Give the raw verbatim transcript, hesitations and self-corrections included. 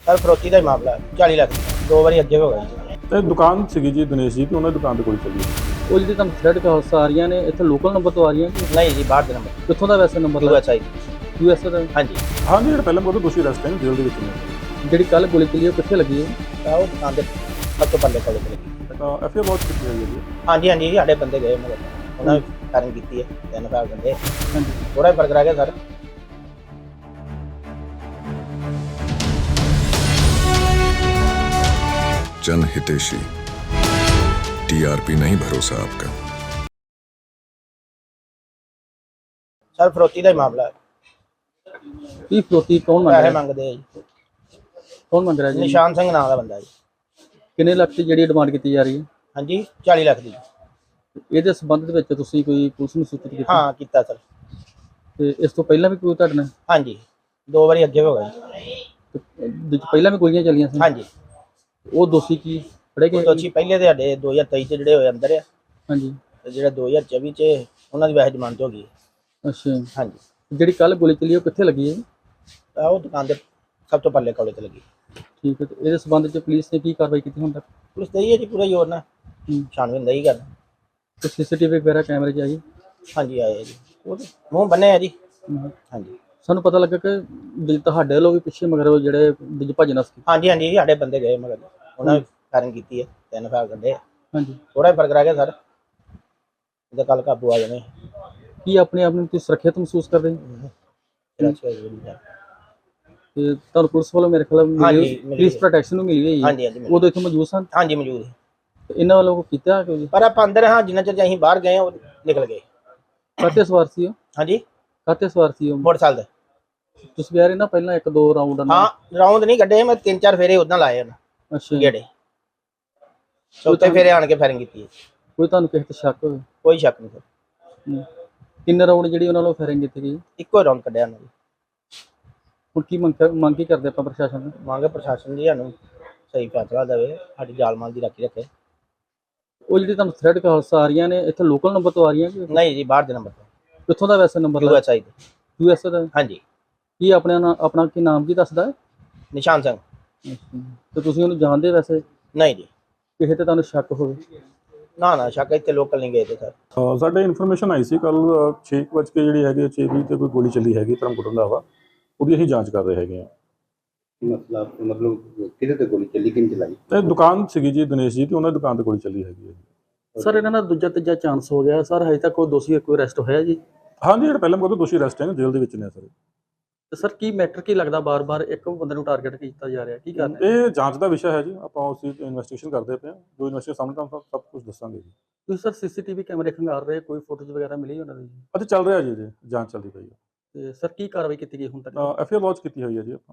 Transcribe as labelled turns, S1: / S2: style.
S1: Sir ਫਰੋਤੀ ਦਾ ਹੀ ਮਾਮਲਾ ਹੈ। ਚਾਲੀ ਲੱਖ ਦੋ ਵਾਰੀ ਅੱਗੇ ਹੋ ਗਿਆ ਜੀ।
S2: ਤੇ ਦੁਕਾਨ ਸੀਗੀ ਜੀ ਦਿਨੇਸ਼ ਜੀ ਤੇ ਉਹਨਾਂ ਦੀ ਦੁਕਾਨ ਤੇ ਗੋਲੀ ਚੱਲੀ।
S3: ਉਹ ਜਿਹੜੀ ਤੁਹਾਨੂੰ ਥ੍ਰੈਡ ਕਾਲਸ ਆ ਰਹੀਆਂ ਨੇ ਇੱਥੇ ਲੋਕਲ ਨੰਬਰ ਤੋਂ ਆ ਰਹੀਆਂ ਕਿ
S1: ਨਹੀਂ ਜੀ ਬਾਹਰ ਦੇ ਨੰਬਰ
S3: ਕਿੱਥੋਂ ਦਾ ਵੈਸੇ number
S1: U S I
S3: U S ਦਾ?
S1: ਹਾਂਜੀ।
S2: ਹਾਂਜੀ ਜਿਹੜਾ ਪਹਿਲਾਂ ਬਹੁਤ ਦੋਸ਼ੀ ਅਰੈਸਟ ਹੈ ਜੇਲ੍ਹ ਦੇ ਵਿੱਚ ਨੇ।
S3: ਜਿਹੜੀ ਕੱਲ ਗੋਲੀ ਚੱਲੀ ਉਹ ਕਿੱਥੇ ਲੱਗੀ ਹੈ?
S1: ਤਾਂ ਉਹ ਦੁਕਾਨ ਦੇ ਸਭ ਤੋਂ ਪੱਲੇ ਕੋਲੇ ਲੱਗੀ।
S2: ਤਾਂ ਐਫ ਆਈ ਆਰ ਬਹੁਤ ਕੀਤੀ ਹੋਈ ਹੈ ਜੀ।
S1: ਹਾਂਜੀ ਹਾਂਜੀ ਸਾਡੇ ਬੰਦੇ ਗਏ ਮਗਰ ਉਹਨਾਂ ਨੇ ਕਾਰਨ ਕੀਤੀ ਹੈ ਤਿੰਨ ਸਾਲ ਬੰਦੇ
S3: ਹਾਂਜੀ।
S1: ਥੋੜਾ ਫਰਕ ਰਹਿ ਗਿਆ ਸਰ।
S4: जन हितेशी टीआरपी नहीं भरोसा आपका।
S1: ਸਰ ਫਰੋਤੀ ਦਾ ਹੀ ਮਾਮਲਾ ਹੈ।
S3: ਕੀ ਫਰੋਤੀ ਕੌਣ ਮੰਗ
S1: ਪੈਸੇ
S3: ਰਿਹਾ?
S1: ਮੰਗਦੇ ਆ ਜੀ।
S3: ਕੌਣ ਮੰਗ ਰਿਹਾ ਜੀ?
S1: ਨਿਸ਼ਾਨ ਸਿੰਘ ਨਾਂ ਦਾ ਬੰਦਾ ਜੀ।
S3: ਕਿੰਨੇ ਲੱਖ ਦੀ ਜਿਹੜੀ ਡਿਮਾਂਡ ਕੀਤੀ ਜਾ ਰਹੀ ਹੈ?
S1: ਹਾਂਜੀ ਚਾਲੀ ਲੱਖ ਦੀ।
S3: ਇਹਦੇ ਸੰਬੰਧ ਦੇ ਵਿੱਚ ਤੁਸੀਂ ਕੋਈ ਪੁਲਿਸ ਨੂੰ ਸੂਚਿਤ ਕੀਤਾ?
S1: ਹਾਂ ਕੀਤਾ ਸਰ।
S3: ਤੇ ਇਸ ਤੋਂ ਪਹਿਲਾਂ ਵੀ ਕੋਈ ਤੁਹਾਡੇ ਨਾਲ
S1: ਹਾਂਜੀ ਦੋ ਵਾਰੀ ਅੱਗੇ ਹੋ ਗਿਆ ਜੀ।
S3: ਤੇ ਇਹਦੇ 'ਚ ਪਹਿਲਾਂ ਵੀ ਗੋਲੀਆਂ ਚੱਲੀਆਂ ਸੀ?
S1: ਹਾਂਜੀ।
S3: ਉਹ ਦੋਸ਼ੀ ਕੀ ਫੜੇ ਗਏ?
S1: ਦੋਸ਼ੀ ਪਹਿਲੇ ਦੇ ਸਾਡੇ ਦੋ ਹਜ਼ਾਰ ਤੇਈ ਚ ਜਿਹੜੇ ਹੋਏ ਅੰਦਰ ਆ
S3: ਹਾਂਜੀ।
S1: ਤੇ ਜਿਹੜਾ ਦੋ ਹਜ਼ਾਰ ਚੌਵੀ ਚ ਉਹਨਾਂ ਦੀ ਵੈਸੇ ਜ਼ਮਾਨਤ ਹੋ ਗਈ ਹੈ।
S3: ਅੱਛਾ।
S1: ਹਾਂਜੀ।
S3: ਜਿਹੜੀ ਕੱਲ ਗੋਲੀ ਚੱਲੀ ਉਹ ਕਿੱਥੇ ਲੱਗੀ ਹੈ?
S1: ਤਾਂ ਉਹ ਦੁਕਾਨ ਦੇ ਸਭ ਤੋਂ ਪੱਲੇ ਕੋਲੇ ਤੇ ਲੱਗੀ।
S3: ਠੀਕ ਹੈ। ਤੇ ਇਹਦੇ ਸੰਬੰਧ 'ਚ ਪੁਲਿਸ ਨੇ ਕੀ ਕਾਰਵਾਈ ਕੀਤੀ ਹੁਣ ਤੱਕ?
S1: ਪੁਲਿਸ ਦਈ ਹੈ ਜੀ ਪੂਰਾ ਜ਼ੋਰ ਨਾਲ
S3: ਹੂੰ।
S1: ਛਾਣਬੀਨ ਦਈ ਕਰ।
S3: ਤੇ ਸੀਸੀਟੀਵੀ ਵਗੈਰਾ ਕੈਮਰੇ 'ਚ ਆਈ?
S1: ਹਾਂਜੀ ਆਏ ਆ ਜੀ। ਉਹ ਤੇ ਮੂੰਹ ਬੰਨੇ ਆ ਜੀ।
S3: ਹੂੰ।
S1: ਹਾਂਜੀ
S3: ਸਾਨੂੰ ਪਤਾ ਲੱਗਾ ਕਿ ਵੀ ਤੁਹਾਡੇ ਵੱਲੋਂ ਵੀ ਪਿੱਛੇ ਮਗਰ ਉਹ ਜਿਹੜੇ ਦੂਜੇ ਭੱਜ ਨਸ ਗਏ।
S1: ਹਾਂਜੀ ਹਾਂਜੀ ਸਾਡੇ ਬੰਦੇ ਗਏ ਮਗਰ ਉਹਨਾਂ ਨੇ ਕਾਰਨ ਕੀਤੀ ਹੈ ਤਿੰਨ ਸਾਲ ਕੱਢੇ।
S3: ਹਾਂਜੀ।
S1: ਥੋੜਾ ਫਰਕ ਰਹਿ ਗਿਆ ਸਰ। ਇਹਦਾ ਕੱਲ ਕਾਬੂ ਆ ਜਾਣੇ।
S3: ਕੀ ਆਪਣੇ ਆਪ ਨੂੰ ਤੁਸੀਂ ਸੁਰੱਖਿਅਤ ਮਹਿਸੂਸ ਕਰਦੇ ਹੋ? ਤੇ ਤੁਹਾਨੂੰ ਪੁਲਿਸ ਵੱਲੋਂ ਮੇਰੇ ਖਿਆਲ
S1: ਹਾਂਜੀ,
S3: ਮਿਲੀ
S1: ਮਿਲੀ
S3: ਪੁਲਿਸ
S1: ਹੈ।
S3: ਪ੍ਰੋਟੈਕਸ਼ਨ ਨੂੰ ਮਿਲੀ ਹੋਈ ਹੈ?
S1: ਹਾਂਜੀ ਹਾਂਜੀ ਮਿਲ-
S3: ਉਦੋਂ ਇੱਥੇ ਮੌਜੂਦ ਸਨ?
S1: ਹਾਂਜੀ ਮੌਜੂਦ ਹੈ।
S3: ਤੇ ਇਹਨਾਂ ਵੱਲੋਂ ਕੋਈ ਕੀਤਾ ਕਿ
S1: ਪਰ ਆਪਾਂ ਅੰਦਰ ਹਾਂ ਜਿੰਨਾ ਚਿਰ ਅਸੀਂ ਬਾਹਰ ਗਏ ਉਹ ਨਿਕਲ ਗਏ।
S3: ਕਾਤੇ ਸਵਾਰ ਸੀ ਉਹ?
S1: ਹਾਂਜੀ
S3: ਕਾਤੇ ਸਵਾਰ ਸੀ ਉਹ?
S1: ਮੋਟਰਸਾਈਕਲ ਤੇ।
S3: ਤੁਸੀਂ ਕਹਿ ਰਹੇ ਨਾ ਪਹਿਲਾਂ ਇੱਕ ਦੋ ਰਾਉਂਡ
S1: ਹਾਂ ਰਾਉਂਡ ਨਹੀਂ ਕੱਢੇ ਮੈਂ ਤਿੰਨ ਚਾਰ ਫੇਰੇ ਉਦਾਂ ਲਾਏ ਹਨ
S3: ਅੱਛਾ।
S1: ਗੇੜੇ। ਚੌਥੇ ਫੇਰੇ ਆਣ ਕੇ ਫਾਇਰਿੰਗ ਕੀਤੀ ਹੈ।
S3: ਕੋਈ ਤੁਹਾਨੂੰ ਕਿਸੇ ਤੇ ਸ਼ੱਕ ਹੋਵੇ?
S1: ਕੋਈ ਸ਼ੱਕ ਨਹੀਂ ਸਰ।
S3: ਹੂੰ। ਕਿੰਨੇ ਰਾਉਂਡ ਜਿਹੜੀ ਉਹਨਾਂ ਵੱਲੋਂ ਫਾਇਰਿੰਗ ਕੀਤੀ ਗਈ?
S1: ਇੱਕੋ ਰਾਉਂਡ ਕੱਢਿਆ ਉਹਨਾਂ ਨੇ।
S3: ਹੁਣ ਕੀ ਮੰਗ ਕਰ- ਮੰਗ ਕੀ ਕਰਦੇ ਆਪਾਂ ਪ੍ਰਸ਼ਾਸਨ ਨੂੰ?
S1: ਮੰਗ ਪ੍ਰਸ਼ਾਸਨ ਜੀ ਸਾਨੂੰ ਸਹੀ ਫੈਸਲਾ ਦੇਵੇ ਸਾਡੀ ਜਾਲ ਮਾਲ ਦੀ ਰਾਖੀ ਰੱਖੇ।
S3: ਉਹ ਜਿਹੜੀ ਤੁਹਾਨੂੰ ਥ੍ਰੈਡ ਕਾਲਸ ਆ ਰਹੀਆਂ ਨੇ ਇੱਥੇ ਲੋਕਲ ਨੰਬਰ ਤੋਂ ਆ ਰਹੀਆਂ ਕਿ
S1: ਨਹੀਂ ਜੀ ਬਾਹਰ ਦੇ ਨੰਬਰ ਤੋਂ
S3: ਕਿੱਥੋਂ ਦਾ ਵੈਸੇ number?
S1: U S I
S3: U S ਦਾ?
S1: ਹਾਂਜੀ।
S3: ਕੀ ਆਪਣੇ ਨਾ ਆਪਣਾ ਕੀ ਨਾਮ ਕੀ ਦੱਸਦਾ ਹੈ?
S1: ਨਿਸ਼ਾਨ ਸਿੰਘ।
S3: ਤੇ ਤੁਸੀਂ ਉਹਨੂੰ ਜਾਣਦੇ ਵੈਸੇ?
S1: ਨਹੀਂ ਜੀ
S3: ਕਿਸੇ ਤੇ ਤੁਹਾਨੂੰ ਸ਼ੱਕ ਹੋਵੇ?
S1: ਨਾ ਨਾ ਸ਼ੱਕ ਇੱਥੇ ਲੋਕਲ ਨਹੀਂ ਗਏ ਤੇ ਸਰ।
S2: ਅਹ ਸਾਡੇ ਇਨਫੋਰਮੇਸ਼ਨ ਆਈ ਸੀ ਕੱਲ ਛੇ ਕੁ ਵੱਜ ਕੇ ਜਿਹੜੀ ਹੈਗੀ ਛੇ ਵੀਹ ਤੇ ਕੋਈ ਗੋਲੀ ਚੱਲੀ ਹੈਗੀ ਧਰਮਕੋਟ ਰੰਧਾਵਾ। ਉਹਦੀ ਅਸੀਂ ਜਾਂਚ ਕਰ ਰਹੇ ਹੈਗੇ ਆ।
S5: ਮਤਲਬ ਮਤਲਬ ਕਿਹਦੇ ਤੇ ਗੋਲੀ ਚੱਲੀ, ਕਿੰਨ ਚਲਾਈ?
S2: ਤੇ ਦੁਕਾਨ ਸੀਗੀ ਜੀ ਦਿਨੇਸ਼ ਜੀ ਤੇ ਉਹਨਾਂ ਦੀ ਦੁਕਾਨ ਤੇ ਗੋਲੀ ਚੱਲੀ ਹੈਗੀ ਹੈ ਜੀ।
S3: ਸਰ ਇਹਨਾਂ ਦਾ ਦੂਜਾ ਤੀਜਾ ਚਾਂਸ ਹੋ ਗਿਆ ਸਰ, ਹਜੇ ਤੱਕ ਕੋਈ ਦੋਸ਼ੀ ਕੋਈ ਅਰੈਸਟ ਹੋਇਆ ਜੀ?
S2: ਹਾਂਜੀ ਜਿਹੜਾ ਪਹਿਲਾਂ ਬਹੁਤ ਦੋਸ਼ੀ ਅਰੈਸਟ ਹੈ ਜੇਲ੍ਹ ਦੇ ਵਿੱਚ ਨੇ ਸਰ।
S3: ਤੇ ਸਰ ਕੀ ਮੈਟਰ ਕੀ ਲੱਗਦਾ ਬਾਰ-ਬਾਰ ਇੱਕ ਬੰਦੇ ਨੂੰ ਟਾਰਗੇਟ ਕੀਤਾ ਜਾ ਰਿਹਾ, ਕੀ ਕਾਰਨ ਹੈ?
S2: ਇਹ ਜਾਂਚ ਦਾ ਵਿਸ਼ਾ ਹੈ ਜੀ। ਆਪਾਂ ਉਸ ਦੀ ਇਨਵੈਸਟੀਗੇਸ਼ਨ ਕਰਦੇ ਪਏ ਹਾਂ। ਜੋ ਇਨਵੈਸਟੀਗੇਸ਼ਨ ਸਾਹਮਣੇ ਤੁਹਾਨੂੰ ਸਭ ਕੁਝ ਦੱਸਾਂਗੇ ਜੀ।
S3: ਤੁਸੀਂ ਸਰ ਸੀਸੀਟੀਵੀ ਕੈਮਰੇ ਖੰਗਾਰ ਰਹੇ, ਕੋਈ ਫੋਟੋਜ਼ ਵਗੈਰਾ ਮਿਲੀ ਉਹਨਾਂ ਦੀ?
S2: ਅਤੇ ਚੱਲ ਰਿਹਾ ਜੀ ਜੀ ਜਾਂਚ ਚੱਲਦੀ ਪਈ ਹੈ।
S3: ਤੇ ਸਰ ਕੀ ਕਾਰਵਾਈ ਕੀਤੀ ਗਈ ਹੁਣ ਤੱਕ?
S2: ਐਫ ਆਈ ਆਰ ਲੌਂਚ ਕੀਤੀ ਹੋਈ ਹੈ ਜੀ ਆਪਾਂ।